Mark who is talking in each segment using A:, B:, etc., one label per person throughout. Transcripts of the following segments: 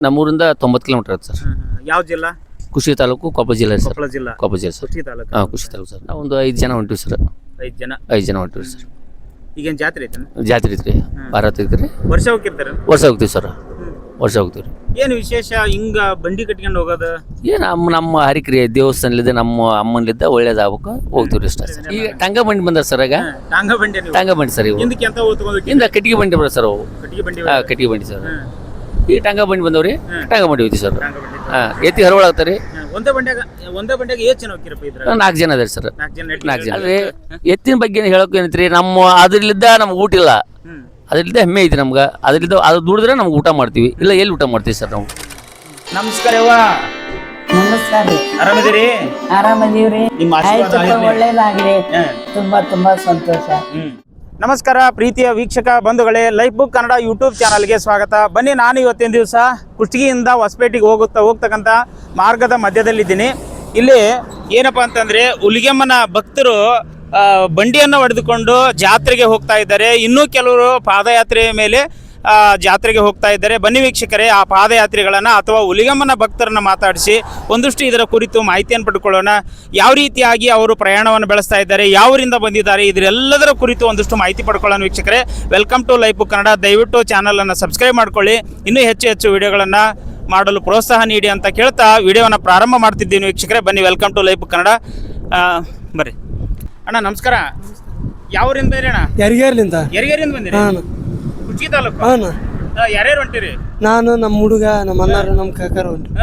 A: ನಮ್ಮೂರಿಂದ 90 kilometre ಆಗುತ್ತೆ sir.
B: ಯಾವ ಜಿಲ್ಲಾ?
A: ಕುಷಿ ತಾಲೂಕು, ಕೊಪ್ಪಳ ಜಿಲ್ಲೆ ಸರ್.
B: ಕೊಪ್ಪಳ ಜಿಲ್ಲಾ.
A: ಕೊಪ್ಪಳ ಜಿಲ್ಲೆ ಸರ್.
B: ಕುಷಿ ತಾಲೂಕು.
A: ಕುಷಿ ತಾಲೂಕು ಸರ್. ನಾವು ಒಂದು 5 ಜನ ಹೊಂಟಿವಿ ಸರ್.
B: 5 ಜನ.
A: 5 ಜನ ಹೊಂಟಿವಿ ಸರ್.
B: ಈಗೇನು ಜಾತ್ರೆ ಐತೆ?
A: ಜಾತ್ರೆ ಐತ್ರಿ, ಭಾರತ ಐತ್ರಿ.
B: ವರ್ಷ ಹೋಗಿರ್ತಾರೆ?
A: ವರ್ಷ ಹೋಗ್ತೀವಿ ಸರ್, ವರ್ಷ ಹೋಗ್ತೀವಿ ರೀ.
B: ಏನು ವಿಶೇಷ ಹಿಂಗ ಬಂಡಿ ಕಟ್ಕೊಂಡು ಹೋಗೋದು?
A: ಏನು ನಮ್ಮ ಹರಿಕ್ರಿ ದೇವಸ್ಥಾನಲಿದ್ದ ನಮ್ಮ ಅಮ್ಮನಲಿದ್ದ ಒಳ್ಳೇದಾಗಬೇಕು ಹೋಗ್ತೀವಿ ಅಷ್ಟೇ ಸರ್. ಈಗ ಟಂಗ ಬಂಡಿ ಬಂದ ಸರ್. ಆಗ
B: ಟಾಂಗ ಬಂಡಿ ನೀವು?
A: ಟಂಗ ಬಂಡಿ ಸರ್. ಇವು
B: ಹಿಂದಕ್ಕೆ ಅಂತ ಓದ್ಕೊಂಡು
A: ಇಂದ ಕಟ್ಟಿಗೆ ಬಂಡಿ ಬರೋದು ಸರ್. ಅವು
B: ಕಟ್ಟಿಗೆ ಬಂಡಿ.
A: ಕಟ್ಟಿಗೆ ಬಂಡಿ ಸರ್. ಈ ಟಂಗ ಬಂಡಿ ಬಂದವ್ರಿ, ಟಂಗ ಬಂಡಿ ಹೋಗ್ತೀವಿ ಸರ್.
B: ಟಾಂಗ ಬಂಡಿ.
A: ಎತ್ತಿ ಹರವಳಾಗ್ತಾರೆ.
B: ಒಂದೇ ಬಂಡ್ಯಾಗ ಎಷ್ಟು ಜನ ಹೋಗಿರಪ್ಪ ಇದ್ರ?
A: 4 ಜನ ಅದಾರ ಸರ್.
B: 4 ಜನ.
A: ಅಲ್ರಿ ಎತ್ತಿನ ಬಗ್ಗೆ ಹೇಳೋಕೆ ಏನೈತ್ರಿ, ನಮ್ಮ ಅದ್ರಲ್ಲಿದ್ದ ನಮ್ಗೆ ಊಟ ಇಲ್ಲ, ಅದ್ರಲ್ಲಿದ್ದ ಹೆಮ್ಮೆ ಐತಿ ನಮ್ಗೆ. ಅದ್ರಲ್ಲಿದ್ದ ಅದು ದುಡಿದ್ರೆ ನಮ್ಗೆ ಊಟ ಮಾಡ್ತೀವಿ, ಇಲ್ಲ ಎಲ್ಲಿ ಊಟ ಮಾಡ್ತೀವಿ ಸರ್ ನಾವು.
B: ನಮಸ್ಕಾರ ಅವ್ವ.
C: ನಮಸ್ಕಾರ ರೀ.
B: ಆರಾಮದಿರಿ?
C: ಆರಾಮದೀವ್ರಿ.
B: ನಿಮ್ಮ ಆಶೀರ್ವಾದ ಆಗಿರ್ಲಿ.
C: ಒಳ್ಳೇದಾಗ್ಲಿ. ತುಂಬಾ ಸಂತೋಷ.
B: ನಮಸ್ಕಾರ ಪ್ರೀತಿಯ ವೀಕ್ಷಕ ಬಂಧುಗಳೇ, ಲೈಫ್ ಬುಕ್ ಕನ್ನಡ ಯೂಟ್ಯೂಬ್ ಚಾನಲ್ಗೆ ಸ್ವಾಗತ. ಬನ್ನಿ, ನಾನು ಇವತ್ತಿನ ದಿವಸ ಕುಷ್ಟಗಿಯಿಂದ ಹೊಸಪೇಟೆಗೆ ಹೋಗ್ತಕ್ಕಂಥ ಮಾರ್ಗದ ಮಧ್ಯದಲ್ಲಿದ್ದೀನಿ. ಇಲ್ಲಿ ಏನಪ್ಪ ಅಂತಂದರೆ ಹುಲಿಗೆಮ್ಮನ ಭಕ್ತರು ಬಂಡಿಯನ್ನು ಹೊಡೆದುಕೊಂಡು ಜಾತ್ರೆಗೆ ಹೋಗ್ತಾ ಇದ್ದಾರೆ. ಇನ್ನೂ ಕೆಲವರು ಪಾದಯಾತ್ರೆಯ ಮೇಲೆ ಜಾತ್ರೆಗೆ ಹೋಗ್ತಾ ಇದ್ದಾರೆ. ಬನ್ನಿ ವೀಕ್ಷಕರೇ, ಆ ಪಾದಯಾತ್ರಿಗಳನ್ನು ಅಥವಾ ಹುಲಿಗೆಮ್ಮನ ಭಕ್ತರನ್ನು ಮಾತಾಡಿಸಿ ಒಂದಷ್ಟು ಇದರ ಕುರಿತು ಮಾಹಿತಿಯನ್ನು ಪಡ್ಕೊಳ್ಳೋಣ. ಯಾವ ರೀತಿಯಾಗಿ ಅವರು ಪ್ರಯಾಣವನ್ನು ಬೆಳೆಸ್ತಾ ಇದ್ದಾರೆ, ಯಾವರಿಂದ ಬಂದಿದ್ದಾರೆ, ಇದರೆಲ್ಲದರ ಕುರಿತು ಒಂದಷ್ಟು ಮಾಹಿತಿ ಪಡ್ಕೊಳ್ಳೋಣ. ವೀಕ್ಷಕರೇ, welcome to life book Kannada. ದಯವಿಟ್ಟು ಚಾನಲನ್ನು ಸಬ್ಸ್ಕ್ರೈಬ್ ಮಾಡ್ಕೊಳ್ಳಿ, ಇನ್ನೂ ಹೆಚ್ಚು ವಿಡಿಯೋಗಳನ್ನು ಮಾಡಲು ಪ್ರೋತ್ಸಾಹ ನೀಡಿ ಅಂತ ಕೇಳ್ತಾ ವಿಡಿಯೋವನ್ನು ಪ್ರಾರಂಭ ಮಾಡ್ತಿದ್ದೀನಿ. ವೀಕ್ಷಕರೇ ಬನ್ನಿ, welcome to life book Kannada. ಬರ್ರಿ ಅಣ್ಣ, ನಮಸ್ಕಾರ. ಯಾವೂರಿಂದ ಬೇರೆ ಅಣ್ಣ?
D: ಯರಿಗೇರ್ಲಿಂದ.
B: ಯರಿಗೇರಿಂದ ಬಂದಿರಿ? ಕುಷ್ಟಗಿ ತಾಲೂಕು. ಯಾರ್ಯಾರು ಹೊಂಟಿರಿ?
D: ನಾನು, ನಮ್ಮ ಹುಡುಗ, ನಮ್ಮ ಅಣ್ಣಾರು, ನಮ್ಮ ಕಾಕಾರ ಹೊಂಟ್ರಿ.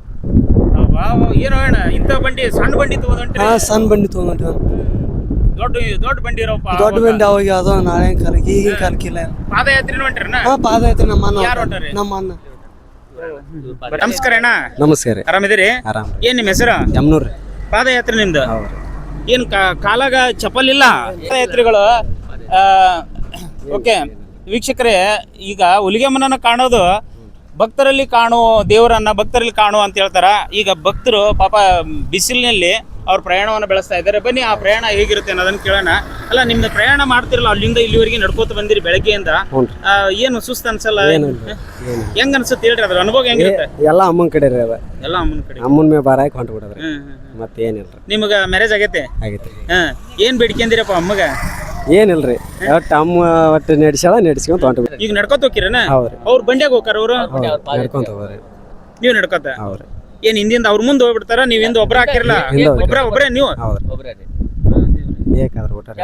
B: ಏನೋ ಅಣ್ಣ ಇಂಥ ಬಂಡಿ, ಸಣ್ಣ ಬಂಡಿ ತಗೊಂಡ್ರಿ?
D: ಸಣ್ಣ ಬಂಡಿ ತಗೊಂಡ್ರಿ.
B: ದೊಡ್ಡ ಬಂಡಿ ಇರೋಪ್ಪ.
D: ದೊಡ್ಡ ಬಂಡಿ ಅವಾಗ ಯಾವುದೋ ನಾಳೆ ಕಾಲಕ್ಕೆ, ಈಗಿನ ಕಾಲಕ್ಕಿಲ್ಲ.
B: ಪಾದಯಾತ್ರೆ ಹೊಂಟ್ರಿ?
D: ಪಾದಯಾತ್ರೆ ನಮ್ಮ ಅಣ್ಣ.
B: ಯಾರು ಹೊಂಟ್ರಿ?
D: ನಮ್ಮ ಅಣ್ಣ.
B: ನಮಸ್ಕಾರ ಅಣ್ಣ.
D: ನಮಸ್ಕಾರ.
B: ಆರಾಮಿದ್ದೀರಿ?
D: ಆರಾಮ್.
B: ಏನ್ ನಿಮ್ಮ ಹೆಸರು?
D: ಯಮ್ನೂರ್.
B: ಪಾದಯಾತ್ರೆ ನಿಮ್ದು? ಏನ್ ಕಾಲಾಗ ಚಪ್ಪಲ್ ಇಲ್ಲ? ಪಾದಯಾತ್ರಿಗಳು. ಓಕೆ ವೀಕ್ಷಕರೇ, ಈಗ ಹುಲಿಗೆಮ್ಮನನ್ನ ಕಾಣೋದು ಭಕ್ತರಲ್ಲಿ ಕಾಣುವ ದೇವರನ್ನ ಭಕ್ತರಲ್ಲಿ ಕಾಣುವ ಅಂತ ಹೇಳ್ತಾರ. ಈಗ ಭಕ್ತರು ಪಾಪ ಬಿಸಿಲಿನಲ್ಲಿ ಅವ್ರ ಪ್ರಯಾಣವನ್ನು ಬೆಳೆಸ್ತಾ ಇದ್ದಾರೆ. ಬನ್ನಿ, ಆ ಪ್ರಯಾಣ ಹೇಗಿರುತ್ತೆ ಅನ್ನೋದನ್ನ ಕೇಳೋಣ. ಅಲ್ಲ, ನಿಮ್ದು ಪ್ರಯಾಣ ಮಾಡ್ತಿರಲ್ಲ, ಅಲ್ಲಿಂದ ಇಲ್ಲಿವರೆಗೆ ನಡ್ಕೋತ ಬಂದಿರಿ ಬೆಳಗ್ಗೆಯಿಂದ. ಏನು ಸುಸ್ತು ಅನ್ಸಲ್ಲ? ಹೆಂಗ್ ಅನ್ಸುತ್ತೆ ಹೇಳ್ರಿ, ಅದ್ರ ಅನುಭವ ಹೆಂಗಿರುತ್ತೆ?
D: ಎಲ್ಲ ಅಮ್ಮನ ಕಡೆ ರೀ. ಅದ
B: ಎಲ್ಲ ಅಮ್ಮನ ಕಡೆ.
D: ಅಮ್ಮನ ಮೇಲೆ ಬಾರ ಹಾಕಿ ಹೊಂಟು ಬಿಡೋದ್ರಿ. ಮತ್ತೇನಿಲ್ರಿ.
B: ನಿಮ್ಗ ಮ್ಯಾರೇಜ್ ಆಗೈತೆ?
D: ಆಗೈತೆ.
B: ಏನ್ ಬೇಡಿಕೆಂದಿರಪ್ಪ ಅಮ್ಮಗ?
D: ಏನಿಲ್ರಿ, ಒಟ್ಟು ಅಮ್ಮ ಒಟ್ಟು ನಡ್ಸ್ಕೊಂತ ಹೊಂಟು.
B: ಈಗ ನಡ್ಕೋತ ಹೋಗಿರನ?
D: ಹೌದ್ರಿ.
B: ಅವ್ರ ಬಂಡ್ಯಾಗ ಹೋಗಾರ? ಅವ್ರು
D: ನಡ್ಕೊಂತ ಹೋಗ್ರಿ.
B: ನೀವ್ ನಡ್ಕೋತ?
D: ಹೌದ್ರಿ.
B: ಏನ್ ಹಿಂದಿಂದ ಅವ್ರ ಮುಂದೆ ಹೋಗ್ಬಿಡ್ತಾರ? ನೀವ್ ಹಿಂದ ಒಬ್ರ ಹಾಕಿರಲ್ಲ? ಒಬ್ರೇ ನೀವು?
D: ಬೇಕಾದ್ರೆ ಊಟ.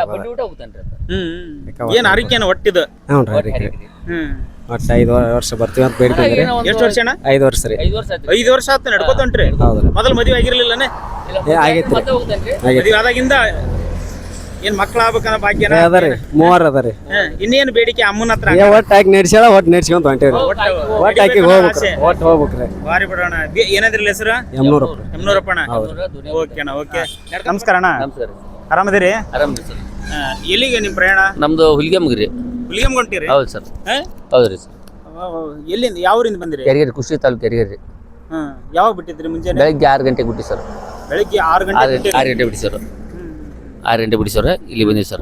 B: ಏನ್ ಆರಿಕೆನ ಒಟ್ಟಿದ?
D: ಒಟ್ಟು 5 ವರ್ಷ ಬರ್ತೀವಿ ಅಂತ ಬೇಡ್ಕೊಂಡ್ರಿ.
B: ಎಷ್ಟು ವರ್ಷ ಅಣ್ಣ?
D: 5 ವರ್ಷ ರೀ.
B: 5 ವರ್ಷ ಆತ ನಡ್ಕೋತ ಹೊಂಟ್ರಿ? ಮೊದಲು ಮದುವೆ ಆಗಿರ್ಲಿಲ್ಲನೆ?
D: ಆಗೈತಿ.
B: ಮದುವೆ ಆದಾಗಿಂದ ಏನ್ ಮಕ್ಳ ಆಗ್ಬೇಕನ್ನ ಭಾಗ್ಯನ
D: ಅದರಿ? 3 ಅದರಿ.
B: ಇನ್ನೇನು ಬೇಡಿಕೆ ಅಮ್ಮನ ಹತ್ರ?
D: ಒಟ್ಟು ಹಾಕಿ ನಡ್ಸ್ಯಾಳ, ಒಟ್ಟು ನಡ್ಸ್ಕೊಂತ ಹೊಂಟೇವ್ರಿ. ಒಟ್ಟು ಹಾಕಿ ಹೋಗ್ಬೇಕ್ರಿ. ಒಟ್ಟು ಹೋಗ್ಬೇಕ್ರಿ.
B: ಬಾರಿ ಬಿಡೋಣ. ಏನಾದ್ರಲ್ಲ ಹೆಸರು? ಯಮ್ನೂರಪ್ಪ ಅಣ್ಣ. ಓಕೆ ಅಣ್ಣ. ಓಕೆ, ನಮಸ್ಕಾರ ಅಣ್ಣ. ಆರಾಮದಿರಿ?
A: ಆರಾಮ್ರಿ ಸರ್.
B: ಎಲ್ಲಿಗೆ ನಿಮ್ ಪ್ರಯಾಣ?
A: ನಮ್ದು ಹುಲಿಗೆಮ್ಗೆ ರೀ.
B: ಹುಲಿಗೆಮ್ ಹೊಂಟಿರಿ?
A: ಹೌದು ಸರ್. ಹೌದ್ರಿ ಸರ್.
B: ಎಲ್ಲಿಂದ, ಯಾವ ಊರಿಂದ ಬಂದಿರಿ?
A: ಕೆರಿಗೇರಿ, ಕುಷ್ಟಗಿ ತಾಲೂಕು ಕೆರಿಗೇರಿ.
B: ಯಾವಾಗ ಬಿಟ್ಟಿದ್ರಿ? ಮುಂಜಾನೆ
A: ಬೆಳಗ್ಗೆ 6 ಗಂಟೆಗೆ ಬಿಟ್ಟು ಸರ್.
B: ಬೆಳಿಗ್ಗೆ 6 ಗಂಟೆ?
A: 6 ಗಂಟೆ ಬಿಟ್ಟು ಸರ್. 6 ಗಂಟೆ ಬಿಡಿ ಸರ್, ಇಲ್ಲಿ ಬಂದಿವಿ ಸರ್.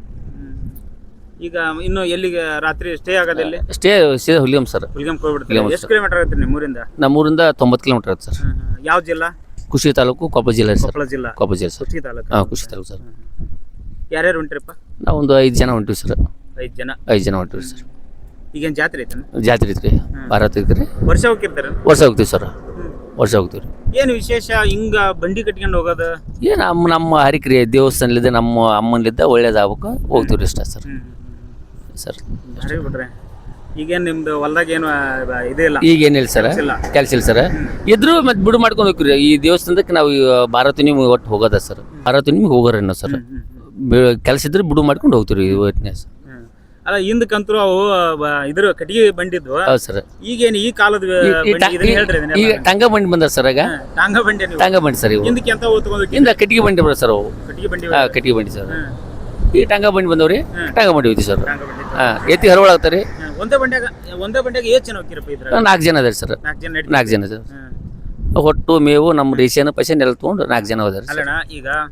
B: ಈಗ ಇನ್ನು ಎಲ್ಲಿಗೆ ರಾತ್ರಿ ಸ್ಟೇ ಆಗೋದಿಲ್ಲ?
A: Stay Huligem sir.
B: ಹುಲಿಗೆಮ್ ಹೋಗ್ಬಿಡ್ತೀವಿ. ಎಷ್ಟು ಕಿಲೋಮೀಟರ್ ಆಗುತ್ತೆ ನಿಮ್ಮೂರಿಂದ?
A: ನಮ್ಮೂರಿಂದ 90 ಕಿಲೋಮೀಟರ್ ಆಗುತ್ತೆ ಸರ್.
B: ಯಾವ ಜಿಲ್ಲಾ?
A: ಕುಷ್ಟಗಿ ತಾಲೂಕು, ಕೊಪ್ಪಳ ಜಿಲ್ಲೆ ಸರ್.
B: ಕೊಪ್ಪಳ ಜಿಲ್ಲಾ.
A: ಕೊಪ್ಪಳ ಜಿಲ್ಲೆ ಸರ್.
B: ಕುಷ್ಟಗಿ ತಾಲೂಕು.
A: ಕುಷ್ಟಗಿ ತಾಲೂಕು ಸರ್.
B: ಯಾರ್ಯಾರು ಹೊಂಟ್ರಿಪ್ಪ?
A: ನಾವು ಒಂದು 5 ಜನ ಹೊಂಟಿವಿ ಸರ್.
B: 5 ಜನ.
A: 5 ಜನ ಹೊಂಟಿವಿ ಸರ್.
B: ಈಗೇನು ಜಾತ್ರೆ ಐತೆ?
A: ಜಾತ್ರೆ ಐತ್ರಿ, ಭಾರತ ಐತ್ರಿ.
B: ವರ್ಷ ಹೋಗಿರ್ತಾರೆ?
A: ವರ್ಷ ಹೋಗ್ತೀವಿ ಸರ್, ವರ್ಷ ಹೋಗ್ತೀವಿ.
B: ಏನು ವಿಶೇಷ ಹಿಂಗ ಬಂಡಿ ಕಟ್ಕೊಂಡು ಹೋಗೋದು?
A: ಏನು ನಮ್ಮ ಹರಿಕ್ರಿ ದೇವಸ್ಥಾನಲಿದ್ದ ನಮ್ಮ ಅಮ್ಮನಲಿದ್ದ ಒಳ್ಳೇದಾಗಬೇಕು ಹೋಗ್ತೀವಿ ಅಷ್ಟೇ ಸರ್. ಸರ್
B: ಬಿಡ್ರೆ ಈಗೇನು ನಿಮ್ದು ಹೊಲ್ದಾಗ ಏನು ಇದೇ ಇಲ್ಲ?
A: ಈಗೇನಿಲ್ಲ ಸರ್, ಕೆಲಸ ಇಲ್ಲ ಸರ್. ಇದ್ರೂ ಮತ್ತೆ ಬಿಡು ಮಾಡ್ಕೊಂಡು ಹೋಗ್ತೀವಿ. ಈ ದೇವಸ್ಥಾನದಕ್ಕೆ ನಾವು ಭಾರತ ನಿಮ್ಗೆ ಒಟ್ಟು ಹೋಗೋದ ಸರ್. ಭಾರತ ನಿಮ್ಗೆ ಹೋಗೋರೇನೋ ಸರ್. ಕೆಲಸ ಇದ್ರೆ ಬಿಡು ಮಾಡ್ಕೊಂಡು ಹೋಗ್ತೀವಿ ಇವತ್ತಿನ ಸರ್.
B: ಅಲ್ಲ, ಹಿಂದಕ್ಕಂತೂ ಅವು ಇದ್ರ ಕಟ್ಟಿಗೆ ಬಂಡಿದ್ವು.
A: ಹೌದು ಸರ್.
B: ಈಗೇನು ಈ ಕಾಲದ
A: ಈಗ ಟಂಗ ಬಂಡಿ ಬಂದ ಸರ್. ಆಗ
B: ಟಾಂಗ ಬಂಡಿ?
A: ಟಂಗ ಬಂಡಿ ಸರ್. ಇವು
B: ಹಿಂದಕ್ಕೆ ಅಂತ ಓದ್ಕೊಂಡು
A: ಇಂದ ಕಟ್ಟಿಗೆ ಬಂಡಿ ಬರೋದು ಸರ್. ಅವು
B: ಕಟ್ಟಿಗೆ ಬಂಡಿ.
A: ಕಟ್ಟಿಗೆ ಬಂಡಿ ಸರ್. ಈ ಟಂಗ ಬಂಡಿ ಬಂದವ್ರಿ, ಟಂಗ ಬಂಡಿ ಹೋಯ್ತು ಸರ್. ಎತ್ತಿ ಹರವಳಾಗ್ತಾರೆ. ಒಂದೇ
B: ಬಂಡ್ಯಾಗ ಎಷ್ಟು ಜನ ಹೋಗಿರಪ್ಪ ಇದ್ರ?
A: 4 ಜನ ಅದಾರ ಸರ್. 4 ಜನ ಸರ್. ಹೊಟ್ಟು ಮೇವು ನಮ್ಮ ರೇಷನ್ ಪೈಸೆ ನೆಲ ತೊಗೊಂಡು 4 ಜನ ಹೋದಾರ.
B: ಅಲ್ಲಣ್ಣ, ಈಗ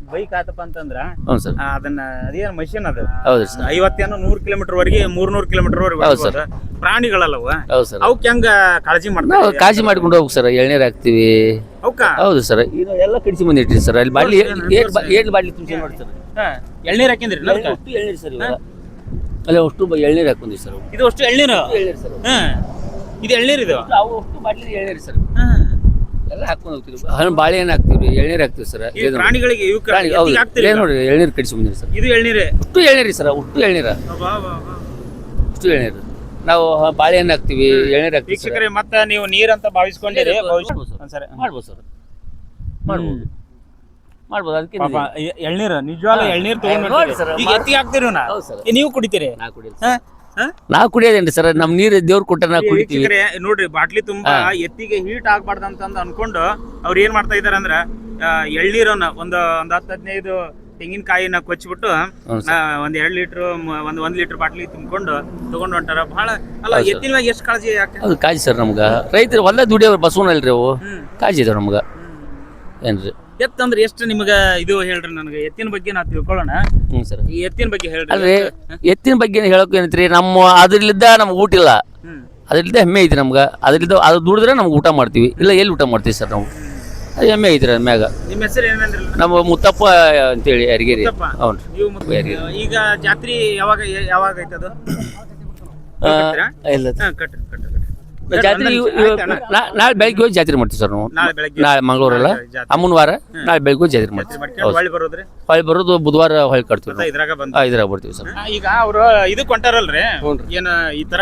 B: ಬೈಕ್ ಆತಪ್ಪ ಅಂತಂದ್ರ
A: ಹ್ಞೂ ಸರ್
B: ಅದನ್ನ ಅದೇನು ಮಷಿನ್ ಅದು
A: ಹೌದು ಸರ್
B: 50 100 ಕಿಲೋಮೀಟರ್ ವರೆಗೆ 300 ಕಿಲೋಮೀಟರ್
A: ಹೌದು
B: ವರೆಗೆ ಪ್ರಾಣಿಗಳಲ್ಲವ
A: ಹೌದು ಸರ್
B: ಅವಕ್ಕೆ ಹೆಂಗ ಕಾಳಜಿ
A: ನಾವು
B: ಮಾಡ್ತಾರೆ
A: ಕಾಳಜಿ ಮಾಡ್ಕೊಂಡು ಹೋಗ್ಬೇಕು ಸರ್ ಎಳ್ನೀರು ಹಾಕ್ತಿವಿ
B: ಅವಕ್ಕ
A: ಹೌದು ಸರ್ ಇದು ಎಲ್ಲ ಕಡಿಸಿ ಬಂದಿಟ್ರಿ ಸರ್ ಅಲ್ಲಿ ಬಾಟ್ಲಿ ಏಳು ಬಾಟ್ಲಿ ತುಂಬಿಸಿ ನೋಡಿ ಸರ್
B: ಎಳ್ನೀರ್ ಹಾಕಿದ್ರಿ
A: ಅಷ್ಟು ಎಳ್ನೀರು ಸರ್ ಇವಾಗ ಅಲ್ಲ ಅಷ್ಟು ಎಳ್ನೀರು ಹಾಕೊಂಡಿವಿ ಸರ್
B: ಇದು ಅಷ್ಟು ಎಳ್ನೀರು
A: ಎಳ್ನೀರು ಸರ್
B: ಇದು ಎಳ್ನೀರ್ ಇದು
A: ಅವು ಅಷ್ಟು ಬಾಟ್ಲಿ ಎಳ್ನೀರು ಸರ್ ಎಲ್ಲ ಹಾಕೊಂಡು ಹೋಗ್ತೀವಿ ಬಾಳೆಹಣ್ಣು ಹಾಕ್ತಿವಿ ಎಳ್ನೀರು ಹಾಕ್ತಿವಿ ಸರ್
B: ಈ ಪ್ರಾಣಿಗಳಿಗೆ ಇವಕ್ಕೆ
A: ಪ್ರಾಣಿ ಹೌದು
B: ಎತ್ತಿಗೆ ಹಾಕ್ತೀರಿ
A: ನೋಡಿ ಎಳ್ನೀರು ಕಡಿಸಿ ಬಂದಿರಿ ಸರ್
B: ಇದು ಎಳ್ನೀರೇ
A: ಅಷ್ಟು ಎಳ್ನೀರು ಸರ್ ಅಷ್ಟು ಎಳ್ನೀರ ಅಷ್ಟು ಎಳ್ನೀರು ನಾವು ಬಾಳೆಹಣ್ಣು ಹಾಕ್ತಿವಿ ಎಳ್ನೀರು ಹಾಕ್ತಿವಿ ಸರ್
B: ವೀಕ್ಷಕರೇ ಮತ್ತೆ ನೀವು ನೀರಂತ ಭಾವಿಸ್ಕೊಂಡಿರಿ ಸರಿ
A: ಮಾಡ್ಬೋದು ಸರ್ ಮಾಡ್ಬೋದು ಮಾಡ್ಬೋದು ಅದಕ್ಕೆ
B: ಪಾಪ ಎಳ್ನೀರು ನಿಜವಾಗ್ಲೂ ಎಳ್ನೀರು ತಗೊಂಡು
A: ನೋಡಿ ಸರ್,
B: ಈಗ ಎತ್ತಿಗೆ ಹಾಕ್ತೀರಿ ನಾ
A: ಹೌದು ಸರ್
B: ನೀವು ಕುಡಿತೀರಿ
A: ನಾ ಕುಡಿಯೋದು ನಾವು ಕುಡಿಯೋದೇನ್ರಿ ಸರ್ ನಮ್ಮ ನೀರು ದೇವ್ರು ಕೊಟ್ಟ ನಾವು ಕುಡಿತೀವಿ
B: ವೀಕ್ಷಕರೇ ನೋಡ್ರಿ ಬಾಟ್ಲಿ ತುಂಬಾ ಎತ್ತಿಗೆ ಹೀಟ್ ಆಗ್ಬಾರ್ದು ಅಂತಂದು ಅನ್ಕೊಂಡು ಅವ್ರು ಏನ್ ಮಾಡ್ತಾ ಇದಾರೆ ಅಂದ್ರ ಎಳ್ನೀರನ್ನ ಒಂದು 10-15 ತೆಂಗಿನಕಾಯಿನ ಕೊಚ್ಚಿಬಿಟ್ಟು ಒಂದ್ 2 ಲೀಟರ್ ಒಂದ್ ಲೀಟರ್ ಬಾಟ್ಲಿ ತುಂಬಿಕೊಂಡು ತಗೊಂಡು ಹೊಂಟಾರ ಬಹಳ ಅಲ್ಲ ಎತ್ತಿನ ಮ್ಯಾಗ ಎಷ್ಟು ಕಾಳಜಿ ಯಾಕೆ
A: ಅದು ಕಾಜಿ ಸರ್ ನಮ್ಗೆ ರೈತರು ಹೊಲ ದುಡಿಯೋರು ಬಸವನಲ್ರಿ ಅವು ಕಾಜಿ ಇದಾವೆ ನಮ್ಗೆ ಏನ್ರಿ
B: ಎತ್ತಂದ್ರೆ ಎಷ್ಟು ನಿಮ್ಗ ಇದು ಹೇಳ್ರಿ ನನಗೆ ಎತ್ತಿನ ಬಗ್ಗೆ ನಾವು ತಿಳ್ಕೊಳ್ಳೋಣ
A: ಹ್ಞೂ ಸರ್
B: ಈ ಎತ್ತಿನ ಬಗ್ಗೆ ಹೇಳ್ರಿ
A: ಅಲ್ರಿ ಎತ್ತಿನ ಬಗ್ಗೆ ಹೇಳೋಕೆ ಏನೈತ್ರಿ ನಮ್ಮ ಅದ್ರಲ್ಲಿದ್ದ ನಮ್ಗೆ ಊಟ ಇಲ್ಲ ಅದ್ರಲ್ಲಿದ್ದ ಹೆಮ್ಮೆ ಐತಿ ನಮ್ಗೆ ಅದ್ರಲ್ಲಿದ್ದ ಅದು ದುಡಿದ್ರೆ ನಮ್ಗೆ ಊಟ ಮಾಡ್ತೀವಿ ಇಲ್ಲ ಎಲ್ಲಿ ಊಟ ಮಾಡ್ತೀವಿ ಸರ್ ನಾವು ಅದು ಹೆಮ್ಮೆ ಐತ್ರಿ ಅದ್ರ ಮ್ಯಾಗ
B: ನಿಮ್ಮ ಹೆಸರು ಏನಂದ್ರಲ್ಲ
A: ನಮ್ಮ ಮುತ್ತಪ್ಪ ಅಂತೇಳಿ ಯಾರಿಗೇರಿ
B: ಮುತ್ತಪ್ಪ.
A: ಹ್ಞೂ
B: ನೀವು ಈಗ ಜಾತ್ರೆ ಯಾವಾಗ ಐತದು
A: ಇಲ್ಲ
B: ಕಟ್ರಿ
A: ಜಾತ್ರೆ ನಾಳೆ ಬೆಳಗ್ಗೆ ಹೋಗಿ ಜಾತ್ರೆ ಮಾಡ್ತೀವಿ ಸರ್ ನಾವು
B: ನಾಳೆ ಬೆಳಗ್ಗೆ
A: ನಾಳೆ ಮಂಗಳೂರಲ್ಲ ಅಮ್ಮನ ವಾರ ನಾಳೆ ಬೆಳಗ್ಗೆ ಹೋಗಿ ಜಾತ್ರೆ ಮಾಡ್ತೀವಿ
B: ಮಾಡ್ಕೊಂಡು ಹೊಳ್ಳಿ ಬರೋದ್ರಿ
A: ಹೊಳ್ಳಿ ಬರೋದು ಬುಧವಾರ ಹೊಳ್ಳಿ ಕಟ್ತೀವಿ ನಾವು
B: ಇದ್ರಾಗ ಬಂದ
A: ಇದ್ರಾಗ ಬರ್ತೀವಿ ಸರ್
B: ಈಗ ಅವ್ರು ಇದು ಕೊಂಟಾರಲ್ರಿ ಏನ ಈ ತರ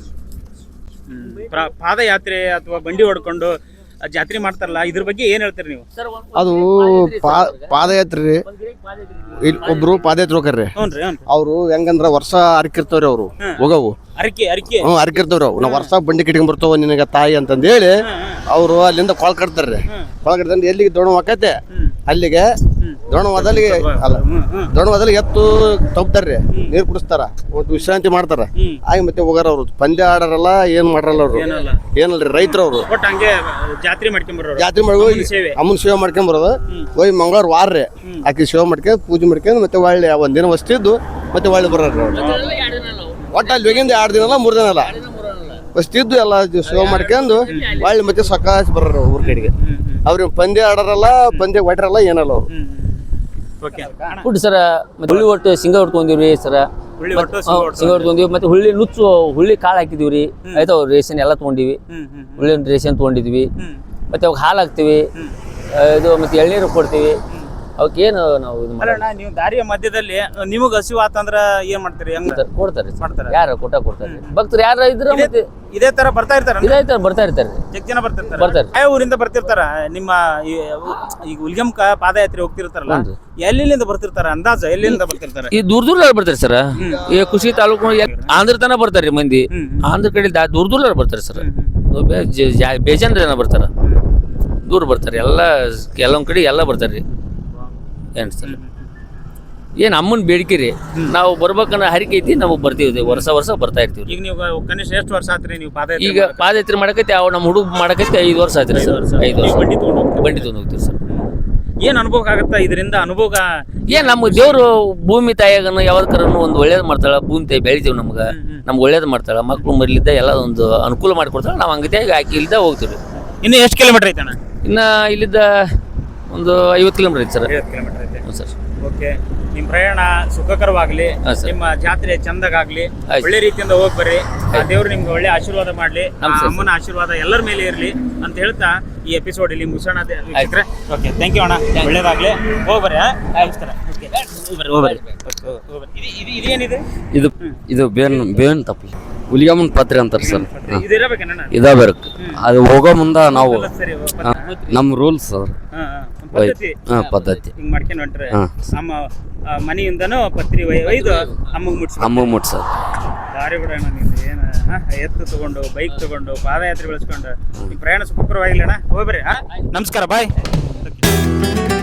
B: ಪಾದಯಾತ್ರೆ ಅಥವಾ ಬಂಡಿ ಹೊಡ್ಕೊಂಡು ಜಾತ್ರೆ ಮಾಡ್ತಾರಲ್ಲ ಇದ್ರ ಬಗ್ಗೆ ಏನ್ ಹೇಳ್ತೀರಿ ನೀವು
D: ಅದು ಪಾದಯಾತ್ರೆ ಇಲ್ಲಿ ಒಬ್ರು ಪಾದಯಾತ್ರೆ ಹೋಗ್ರಿ
B: ಹ್ಞೂನ್ರಿ
D: ಅವ್ರು ಹೆಂಗಂದ್ರ ವರ್ಷ ಅರ್ಕಿರ್ತಾವ್ರಿ ಅವ್ರು ಹೋಗವು
B: ಅರಕೆ
D: ಅರ್ಕಿರ್ತಾವ್ರಿ ಅವು ನಾವು ವರ್ಷ ಬಂಡಿ ಕಿಟ್ಕೊಂಡ್ ಬರ್ತಾವ ನಿನಗ ತಾಯಿ ಅಂತಂದ ಹೇಳಿ ಅವರು ಅಲ್ಲಿಂದ ಕೊಳ ಕಟ್ತಾರ್ರಿ ಕೊಳ ಕಟ್ತಂದ್ರೆ ಎಲ್ಲಿಗೆ ದೋಣವಾಕತ್ತೆ ಅಲ್ಲಿಗೆ ದೋಣವಾದಲ್ಲಿ ಅಲ್ಲ ದೋಣವಾದಲ್ಲಿ ಎತ್ತು ತಪ್ತಾರ್ರಿ ನೀರ್ ಕುಡಿಸ್ತಾರ ಒಂದು ವಿಶ್ರಾಂತಿ ಮಾಡ್ತಾರ ಆಗಿ ಮತ್ತೆ ಹೋಗಾರ ಅವ್ರು ಪಂದ್ಯ ಆಡಾರಲ್ಲ ಏನ್ ಮಾಡ್ರಲ್ಲ ಅವ್ರು ಏನಲ್ರಿ ರೈತರವ್ರು
B: ಒಟ್ಟು ಹಂಗೆ ಜಾತ್ರೆ ಮಾಡ್ಕೊಂಬರೋರು
D: ಜಾತ್ರೆ ಮಾಡಿ ಅಮ್ಮನ ಸೇವೆ ಮಾಡ್ಕೊಂಡ್ ಬರೋದು ಹೋಗಿ ಮಂಗಳವಾರ ವಾರ್ರಿ ಆಕಿ ಸೇವೆ ಮಾಡ್ಕೊಂಡ್ ಪೂಜೆ ಮಾಡ್ಕೊಂಡ್ ಮತ್ತೆ ಒಳ್ಳೆ ಒಂದಿನ ವಸ್ತಿದ್ದು ಮತ್ತೆ ಒಳ್ಳೆ ಬರೋರು ಒಟ್ಟು ಅಲ್ಲಿ ಹೋಗಿಂದ 2 ದಿನ ಅಲ್ಲ 3 ದಿನ ಅಲ್ಲ ವಸ್ತಿದ್ದು ಎಲ್ಲ ಸೇವೆ ಮಾಡ್ಕೊಂಡು ಒಳ್ಳೆ ಮತ್ತೆ ಸಕಾಶ ಬರೋರು ಊರ್ ಕಡೆಗೆ ಅವ್ರಿಗೆ ಪಂದ್ಯ ಆಡಾರಲ್ಲ ಪಂದ್ಯ ಹೊಟ್ರಲ್ಲ ಏನಲ್ಲ ಅವ್ರು
A: ಫುಡ್ ಸರ ಹುಳ್ಳಿ ಒಟ್ಟು ಶೇಂಗಾ ಹೊಡ್ಕೊಂಡಿವ್ರಿ ಸರ ಶೇಂಗಾ ಹೊಡ್ಕೊಂಡಿವಿ ಮತ್ತೆ ಹುಳ್ಳಿ ಕಾಳು ಹಾಕಿದೀವ್ರಿ ಆಯ್ತು ರೇಷನ್ ಎಲ್ಲ ತೊಗೊಂಡಿವಿ ಹುಳ್ಳಿ ರೇಷನ್ ತೊಗೊಂಡಿದ್ವಿ ಮತ್ತೆ ಅವಾಗ ಹಾಲು ಹಾಕ್ತಿವಿ ಇದು ಮತ್ತೆ ಎಳ್ನೀರು ಕೊಡ್ತೀವಿ ಅವಕ್ಕೇನು ನಾವು ಇದು
B: ಅಲ್ಲಣ್ಣ ನೀವು ದಾರಿಯ ಮಧ್ಯದಲ್ಲಿ ನಿಮಗ್ ಹಸಿವು ಆತಂದ್ರ ಏನ್ ಮಾಡ್ತೀರಿ ಹೆಂಗ
A: ಕೊಡ್ತಾರೆ ಯಾರು ಕೊಡ್ತಾರೆ ಭಕ್ತರು ಯಾರು ಇದ್ರ
B: ಇದೇ ತರ ಬರ್ತಾ ಇರ್ತಾರ
A: ಇದಾಯ್ತಾರೆ ಬರ್ತಾ ಇರ್ತಾರೆ
B: ಎಷ್ಟು ಜನ ಬರ್ತಾರೆ ಯಾವ ಊರಿಂದ ಬರ್ತಿರ್ತಾರ ನಿಮ್ಮ ಈಗ ಉಲ್ಗಮ್ಕ ಪಾದಯಾತ್ರೆ ಹೋಗ್ತಿರ್ತಾರಲ್ಲ ಎಲ್ಲಿಂದ ಬರ್ತಿರ್ತಾರ ಅಂದಾಜ ಎಲ್ಲಿಂದ ಬರ್ತಿರ್ತಾರ
A: ಈ ದೂರ ಬರ್ತಾರೆ ಸರ್ ಈ ಕುಷಿ ತಾಲೂಕು ಆಂಧ್ರ ತನ ಬರ್ತಾರೆ ಮಂದಿ ಆಂಧ್ರ ಕಡೆ ದೂರ ಬರ್ತಾರೆ ಸರ್ ಬೇಜಾನ್ ಜನ ಬರ್ತಾರ ದೂರ ಬರ್ತಾರೆ ಎಲ್ಲೊಂದ್ ಕಡೆ ಎಲ್ಲ ಬರ್ತಾರ್ರಿ ಏನ್ ಸರ್ ಏನ್ ಅಮ್ಮನ ಬೇಡಿಕೆ ರೀ ನಾವು ಬರ್ಬೇಕನ್ನೋ ಹರಿಕೆ ಐತಿ ನಾವು ಬರ್ತೀವಿ ವರ್ಷ ಬರ್ತಾ ಇರ್ತೀವಿ
B: ಈಗ ನೀವು ಕನಿಷ್ಠ ಎಷ್ಟು ವರ್ಷ ಆತ್ರಿ ನೀವು ಪಾದಯಾತ್ರೆ
A: ಈಗ ಪಾದಯಾತ್ರೆ ಮಾಡಕೈತಿ ಅವ್ ನಮ್ಮ ಹುಡುಗ ಮಾಡಕೈತಿ 5 ವರ್ಷ ಆಯ್ತು ಸರ್ 5 ವರ್ಷ ಬಂಡಿ ತಗೊಂಡು ಹೋಗ್ತೀವಿ ಸರ್
B: ಏನ್ ಅನುಭವ ಆಗತ್ತ ಇದರಿಂದ ಅನುಭವ
A: ಏನ್ ನಮ್ಮ ದೇವ್ರು ಭೂಮಿ ತಾಯಿಯಾಗನು ಯಾವ್ದಕ್ಕರನು ಒಂದು ಒಳ್ಳೇದು ಮಾಡ್ತಾಳ ಭೂಮಿ ತಾಯಿ ಬೆಳಿತೀವಿ ನಮ್ಗೆ ಒಳ್ಳೇದು ಮಾಡ್ತಾಳ ಮಕ್ಳು ಮರಿಲಿದ್ದ ಎಲ್ಲ ಒಂದು ಅನುಕೂಲ ಮಾಡ್ಕೊಡ್ತಾಳ ನಾವು ಹಂಗತಿಯಾಗಿ ಆಕಿ ಇಲ್ದ ಹೋಗ್ತೀವಿ
B: ಇನ್ನು ಎಷ್ಟು ಕಿಲೋಮೀಟರ್ ಐತಣ್ಣ
A: ಇನ್ನ ಇಲ್ಲಿದ್ದ ಒಂದು 50 ಕಿಲೋಮೀಟರ್ ಐತೆ ಸರ್
B: 50 ಕಿಲೋಮೀಟರ್ ಐತೆ
A: ಸರ್
B: ಓಕೆ ನಿಮ್ಮ ಪ್ರಯಾಣ ಸುಖಕರವಾಗ್ಲಿ ನಿಮ್ಮ ಜಾತ್ರೆ ಚಂದಗಾಗ್ಲಿ ಒಳ್ಳೆ ರೀತಿಯಿಂದ ಹೋಗಿ ಬರ್ರಿ ಆ ದೇವ್ರು ನಿಮ್ಗೆ ಒಳ್ಳೆ ಆಶೀರ್ವಾದ ಮಾಡ್ಲಿ ಅಮ್ಮನ ಆಶೀರ್ವಾದ ಎಲ್ಲರ ಮೇಲೆ ಇರ್ಲಿ ಅಂತ ಹೇಳ್ತಾ ಈ ಎಪಿಸೋಡ್ ಇಲ್ಲಿ ಮುಗಿಸೋಣ ಓಕೆ ಥ್ಯಾಂಕ್ ಯು ಅಣ್ಣ ಒಳ್ಳೇದಾಗ್ಲಿ ಹೋಗ್ಬರ್ರಿ ನಮಸ್ಕಾರ ಇದೇನಿದೆ
E: ಇದು ಬೇವಿನ ತಪ್ಪಲಿ ಹುಲಿಗಮ್ಮನ ಪತ್ರೆ ಅಂತಾರೆ ಸರ್
B: ಇದಿರಬೇಕಣ್ಣ
E: ಅದು ಹೋಗೋ ಮುಂದ ನಾವು
B: ಸರಿ
E: ನಮ್ಮ ರೂಲ್ಸ್ ಸರ್ ಪದ್ಧತಿ
B: ಹಿಂಗ್ ಮಾಡ್ಕೊಂಡು ಹೊಂಟ್ರೆ ನಮ್ಮ ಮನೆಯಿಂದನೂ ಪತ್ರಿ ಒಯ್ದು ಅಮ್ಮಗೆ
E: ಮುಟ್ಸೋದು
B: ದಾರಿ ಬಿಡೋಣ ನಿಮ್ದು ಏನು ಎತ್ತು ತಗೊಂಡು ಬೈಕ್ ತಗೊಂಡು ಪಾದಯಾತ್ರೆ ಬೆಳೆಸ್ಕೊಂಡು ನಿಮ್ಮ ಪ್ರಯಾಣ ಸುಖಕರವಾಗಿಲ್ಲ ಅಣ್ಣ ಹೋಗ್ಬರ್ರಿ ನಮಸ್ಕಾರ ಬಾಯ್